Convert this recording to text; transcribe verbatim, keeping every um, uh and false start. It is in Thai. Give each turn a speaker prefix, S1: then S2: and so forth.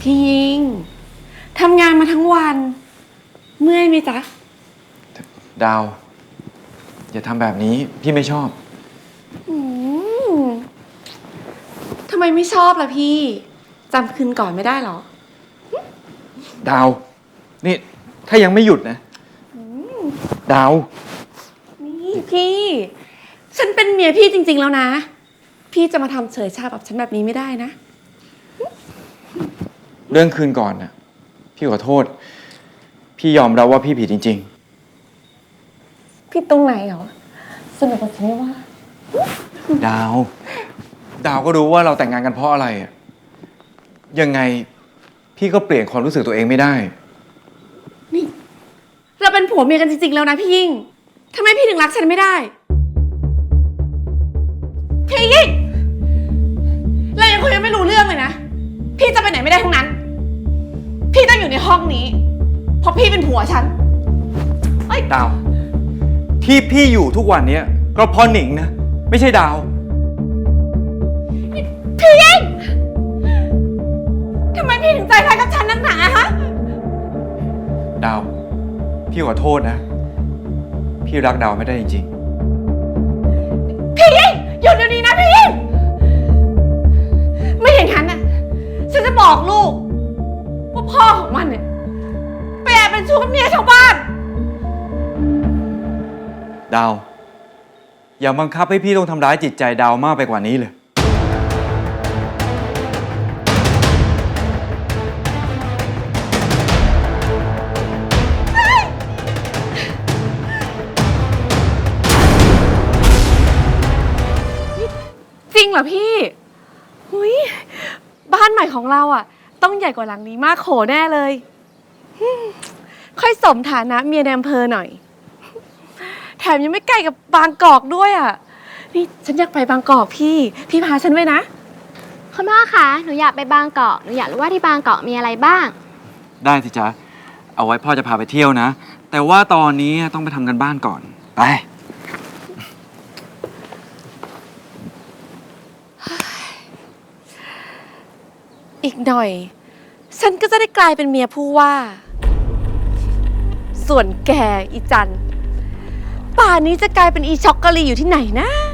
S1: พี่ยิงทำงานมาทั้งวัน เมื่อยไหมจ๊ะ
S2: ดาวอย่าทำแบบนี้พี่ไม่ชอบ
S1: อืมทำไมไม่ชอบล่ะพี่จำคืนก่อนไม่ได้หรอ
S2: ดาวนี่ถ้ายังไม่หยุดนะดาว
S1: นี่พี่ฉันเป็นเมียพี่จริงๆแล้วนะพี่จะมาทำเฉยชาแบบฉันแบบนี้ไม่ได้นะ
S2: เรื่องคืนก่อนนะพี่ขอโทษพี่ยอมรับว่าพี่ผิดจริง
S1: ๆพี่ตรงไหนเหรอสนุกกว่าฉันไม่ว่า
S2: ดาวดาวก็รู้ว่าเราแต่งงานกันเพราะอะไรอะยังไงพี่ก็เปลี่ยนความรู้สึกตัวเองไม่ได้
S1: นี่เราเป็นผัวเมียกันจริงๆแล้วนะพี่ยิ่งทำไมพี่ถึงรักฉันไม่ได้พี่ยิ่งเรายังคุยกันไม่รู้เรื่องเลยนะพี่จะไปไหนไม่ได้ทั้งนั้นพี่ต้องอยู่ในห้องนี้เพราะพี่เป็นผัวฉัน
S2: เอ้ยดาวที่พี่อยู่ทุกวันนี้ก็เพราะหนิงนะไม่ใช่ดาว
S1: พี่ยิ่งทำไมพี่ถึงใจร้ายกับฉันนักหนาฮะ
S2: ดาวพี่ขอโทษนะพี่รักดาวไม่ได้จริง
S1: ๆพี่ยิ่งหยุดเดี๋ยวนี้นะพี่ยิ่งไม่อย่างนั้นน่ะฉันจะบอกลูกว่าพ่อของมันเนี่ยไปแอบเป็นชู้กับเมียชาวบ้าน
S2: ดาวอย่าบังคับให้พี่ต้องทำร้ายจิตใจดาวมากไปกว่านี้เลย
S1: จริงเหรอพี่หุยบ้านใหม่ของเราอ่ะต้องใหญ่กว่าหลังนี้มากโขแน่เลยค่อยสมฐานะเมียในอำเภอหน่อยแถมยังไม่ไกลกับบางกอกด้วยอ่ะนี่ฉันอยากไปบางกอกพี่พี่พาฉันไว้นะ
S3: คุณพ่อคะหนูอยากไปบางกอกหนูอยากรู้ว่าที่บางกอกมีอะไรบ้าง
S2: ได้สิจ๊ะเอาไว้พ่อจะพาไปเที่ยวนะแต่ว่าตอนนี้ต้องไปทำกันบ้านก่อนไป
S1: อีกหน่อยฉันก็จะได้กลายเป็นเมียผู้ว่าส่วนแกอีจันป่านนี้จะกลายเป็นอีช็อกโกแลตอยู่ที่ไหนนะ